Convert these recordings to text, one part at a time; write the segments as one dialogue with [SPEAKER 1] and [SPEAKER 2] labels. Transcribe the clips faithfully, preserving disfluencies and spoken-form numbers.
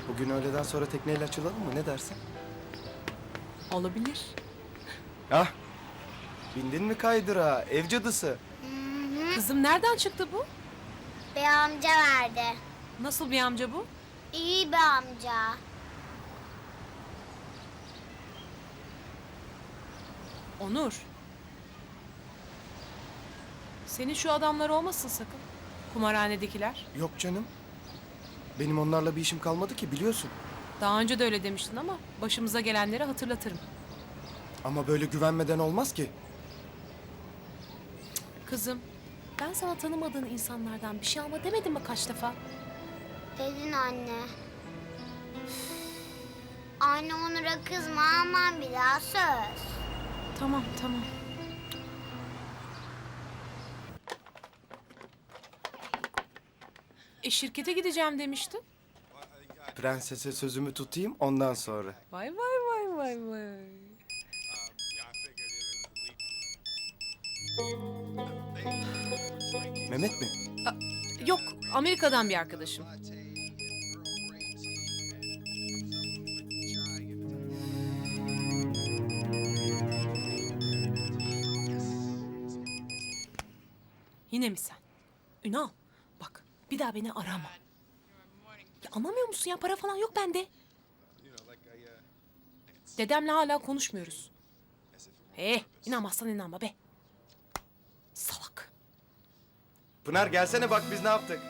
[SPEAKER 1] Bugün öğleden sonra tekneyle açılalım mı? Ne dersin?
[SPEAKER 2] Olabilir.
[SPEAKER 1] Ah! Bindin mi kaydıra? Ev cadısı.
[SPEAKER 2] Kızım nereden çıktı bu?
[SPEAKER 3] Bir amca verdi.
[SPEAKER 2] Nasıl bir amca bu?
[SPEAKER 3] İyi bir amca.
[SPEAKER 2] Onur. Senin şu adamlar olmasın sakın. Kumarhanedekiler.
[SPEAKER 1] Yok canım. Benim onlarla bir işim kalmadı ki biliyorsun.
[SPEAKER 2] Daha önce de öyle demiştin ama başımıza gelenleri hatırlatırım.
[SPEAKER 1] Ama böyle güvenmeden olmaz ki.
[SPEAKER 2] Kızım, ben sana tanımadığın insanlardan bir şey alma demedim mi kaç defa?
[SPEAKER 3] Dedin anne. Anne Onur'a kızma, aman bir daha söz.
[SPEAKER 2] Tamam, tamam. E şirkete gideceğim demiştin.
[SPEAKER 1] Prensese sözümü tutayım ondan sonra.
[SPEAKER 2] Vay vay vay vay vay.
[SPEAKER 1] Mehmet mi?
[SPEAKER 2] Yok, Amerika'dan bir arkadaşım. Yine mi sen? Ünal, bak bir daha beni arama. Ya anlamıyor musun ya? Para falan yok bende. Dedemle hala konuşmuyoruz. He, inanmazsan inanma be. Salak.
[SPEAKER 1] Pınar gelsene bak biz ne yaptık.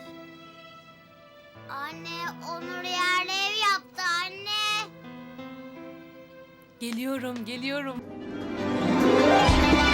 [SPEAKER 3] Anne Onur yerli ev yaptı anne.
[SPEAKER 2] Geliyorum, geliyorum.